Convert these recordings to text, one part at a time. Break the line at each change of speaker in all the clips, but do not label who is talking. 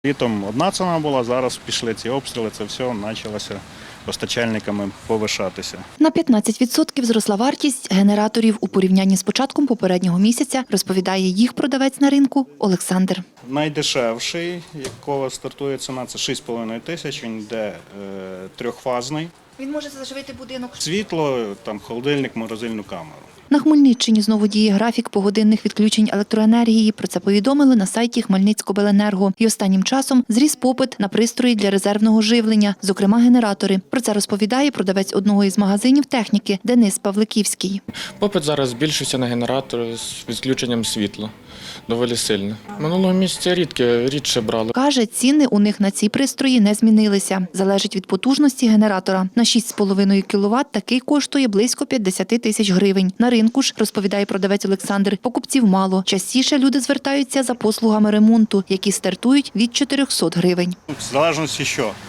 Літом одна ціна була, зараз пішли ці обстріли, це все почалося постачальниками повишатися.
На 15% зросла вартість генераторів у порівнянні з початком попереднього місяця, розповідає їх продавець на ринку Олександр.
Найдешевший, якого стартує ціна, це 6,5 тисяч, він йде трьохфазний.
Він може заживити будинок.
Світло, там холодильник, морозильну камеру.
На Хмельниччині знову діє графік погодинних відключень електроенергії. Про це повідомили на сайті Хмельницькобленерго. І останнім часом зріс попит на пристрої для резервного живлення, зокрема генератори. Про це розповідає продавець одного із магазинів техніки Денис Павликівський.
Попит зараз збільшився на генератори з відключенням світла. Доволі сильно. Минулого місяця рідше брали.
Каже, ціни у них на ці пристрої не змінилися. Залежить від потужності генератора. На 6,5 кВт такий коштує близько 50 тисяч гривень. На ринку ж, розповідає продавець Олександр, покупців мало. Частіше люди звертаються за послугами ремонту, які стартують від 400 гривень.
В залежності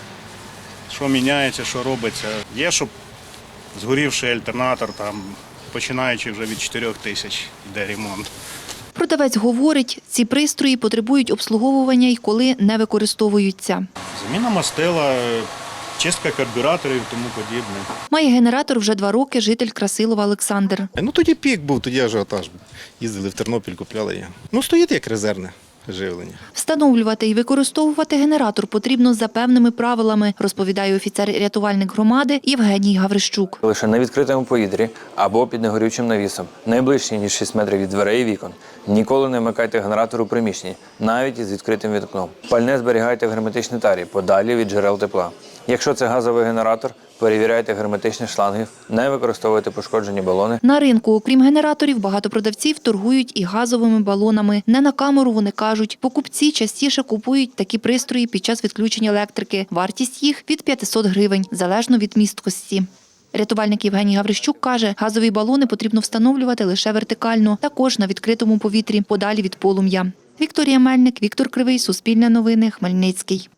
що міняється, що робиться. Є, щоб згорівший альтернатор, там, починаючи вже від 4 тисяч йде ремонт.
Продавець говорить, ці пристрої потребують обслуговування і коли не використовуються.
Заміна мастила, чистка карбюраторів і тому подібне.
Має генератор вже 2 роки житель Красилова Олександр.
Тоді пік був, тоді ажіотаж був. Їздили в Тернопіль, купляли його. Стоїть як резервне живлення.
Встановлювати і використовувати генератор потрібно за певними правилами, розповідає офіцер-рятувальник громади Євгеній Гаврищук.
Лише на відкритому повітрі або під негорючим навісом, найближче, ніж 6 метрів від дверей і вікон. Ніколи не вмикайте генератор у приміщенні, навіть із відкритим вікном. Пальне зберігайте в герметичній тарі, подалі від джерел тепла. Якщо це газовий генератор, перевіряйте герметичні шланги, не використовуйте пошкоджені балони.
На ринку, окрім генераторів, багато продавців торгують і газовими балонами. Не на камеру, вони кажуть. Покупці частіше купують такі пристрої під час відключення електрики. Вартість їх від 500 гривень, залежно від місткості. Рятувальник Євгеній Гаврищук каже, газові балони потрібно встановлювати лише вертикально, також на відкритому повітрі, подалі від полум'я. Вікторія Мельник, Віктор Кривий, Суспільне новини, Хмельницький.